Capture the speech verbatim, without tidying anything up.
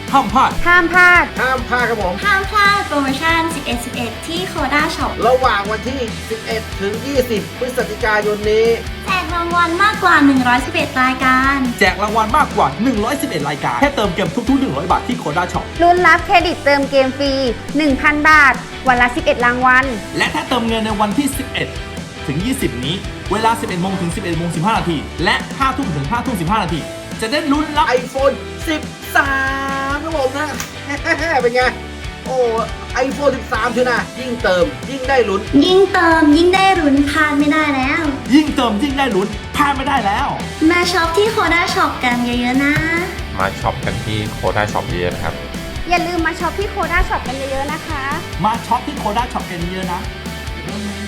ห้ามพลาดห้ามพลาดห้ามพลาดครับผมห้ามพลาดโปรโมชั่น สิบเอ็ด สิบเอ็ด ที่โคด้าช็อประหว่างวันที่ สิบเอ็ด ถึง ยี่สิบ พฤศจิกายนนี้แจกรางวัลมากกว่า หนึ่งร้อยสิบเอ็ด รายการแจกรางวัลมากกว่าหนึ่งร้อยสิบเอ็ดรายการแค่เติมเกมทุกๆหนึ่งร้อยบาทที่โคด้าช็อปลุ้นรับเครดิตเติมเกมฟรี หนึ่งพัน บาท วันละสิบเอ็ดรางวัลและถ้าเติมเงินในวันที่ สิบเอ็ด ถึง ยี่สิบ นี้เวลา สิบเอ็ด โมงถึง สิบเอ็ด โมง สิบห้า นาทีและ ห้า ทุ่มถึง ห้า ทุ่ม สิบห้า นาทีจะได้ลุ้นรับไอโฟน สิบสาม ครับผมนะ เป็นไงโอ้ไอโฟนสิบสามชนะยิ่งเติมยิ่งได้ลุ้นยิ่งเติมยิ่งได้ลุ้นพลาดไม่ได้แล้วยิ่งเติมยิ่งได้ลุ้นพลาดไม่ได้แล้วมาช็อปที่โคด้าช็อปกันเยอะๆนะมาช็อปกันที่โคด้าช็อปเยอะๆนะครับอย่าลืมมาช็อปที่โคด้าช็อปกันเยอะๆนะคะมาช็อปที่โคด้าช็อปกันเยอะๆนะ